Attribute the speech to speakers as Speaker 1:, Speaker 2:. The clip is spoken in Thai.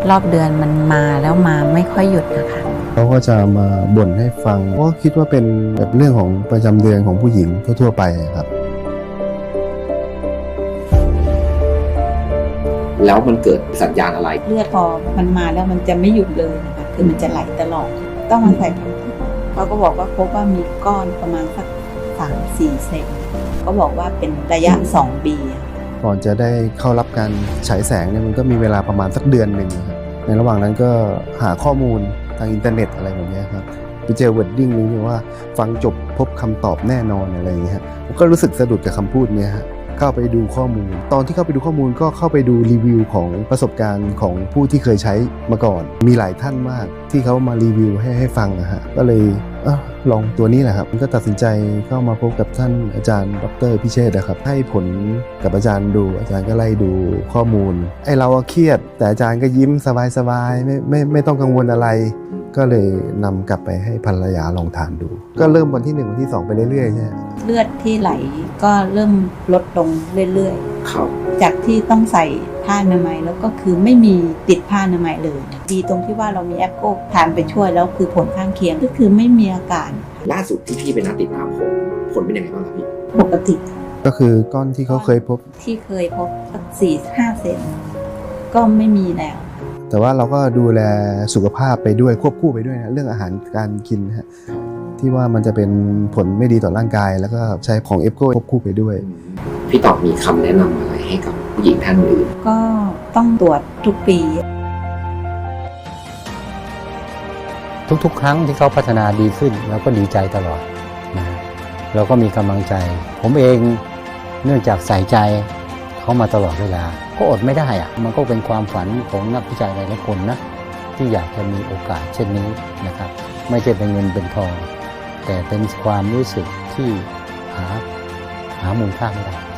Speaker 1: รอบเดือนมันมาแล้วมาไม่ค่อยหยุดนะคะ
Speaker 2: เขาก็จะมาบ่นให้ฟังก็คิดว่าเป็นแบบเรื่องของประจำเดือนของผู้หญิงทั่วๆไปครับ
Speaker 3: แล้วมันเกิดสัญญาณอะไร
Speaker 4: เลือดพอมันมาแล้วมันจะไม่หยุดเลยนะคะคือมันจะไหลตลอดต้องมาใส่พันธุ์เขาก็บอกว่าพบว่ามีก้อนประมาณสัก3-4 เซนก็บอกว่าเป็นระยะ2 ปี
Speaker 2: ก่อนจะได้เข้ารับการฉายแสงเนี่ยมันก็มีเวลาประมาณสักเดือนหนึ่งครับในระหว่างนั้นก็หาข้อมูลทางอินเทอร์เน็ตอะไรแบบนี้ครับไปเจอวอร์ดดิ้งนี้ว่าฟังจบพบคำตอบแน่นอนอะไรอย่างเงี้ยผมก็รู้สึกสะดุดกับคำพูดนี้ฮะเข้าไปดูข้อมูลตอนที่เข้าไปดูข้อมูลก็เข้าไปดูรีวิวของประสบการณ์ของผู้ที่เคยใช้มาก่อนมีหลายท่านมากที่เขามารีวิวให้ฟังนะฮะก็เลยลองตัวนี้แหละครับก็ตัดสินใจเข้ามาพบกับท่านอาจารย์ดร.พิเชษฐ์นะครับให้ผลกับอาจารย์ดูอาจารย์ก็ไล่ดูข้อมูลไอ้เราเครียดแต่อาจารย์ก็ยิ้มสบายๆไม่ต้องกังวลอะไรก็เลยนำกลับไปให้ภรรยาลองทานดูก็เริ่มวันที่1วันที่2ไปเรื่อยๆใช่
Speaker 4: เลือดที่ไหลก็เริ่มลดลงเรื่อย
Speaker 3: ครับ
Speaker 4: ๆจากที่ต้องใส่ผ้าอนามัยแล้วก็คือไม่มีติดผ้าอนามัยเลยดีตรงที่ว่าเรามีแอปโก้ทานไปช่วยแล้วคือผลข้างเคียงก็คือไม่มีอาการ
Speaker 3: ล่าสุดที่พี่ไปนัดติดตามผลเป็นยังไงบ้างครับพี่
Speaker 4: ปกติ
Speaker 2: ก็คือก้อนที่เขาเคยพบ
Speaker 4: สัก4-5 เซนก็ไม่มีแล้ว
Speaker 2: แต่ว่าเราก็ดูแลสุขภาพไปด้วยควบคู่ไปด้วยนะเรื่องอาหารการกินฮะที่ว่ามันจะเป็นผลไม่ดีต่อร่างกายแล้วก็ใช้ของเอฟโก้ควบคู่ไปด้วย
Speaker 3: พี่ตอบมีคำแนะนำอะไรให้กับผู้หญิงท่านอื่น
Speaker 4: ก็ต้องตรวจทุกปี
Speaker 5: ทุกๆครั้งที่เขาพัฒนาดีขึ้นเราก็ดีใจตลอดนะเราก็มีกำลังใจผมเองเนื่องจากใส่ใจเขามาตลอดเวลาก็อดไม่ได้อะมันก็เป็นความฝันของนักวิจัยหลายๆคนนะที่อยากจะมีโอกาสเช่นนี้นะครับไม่ใช่เป็นเงินเป็นทองแต่เป็นความรู้สึกที่หามูลค่าไม่ได้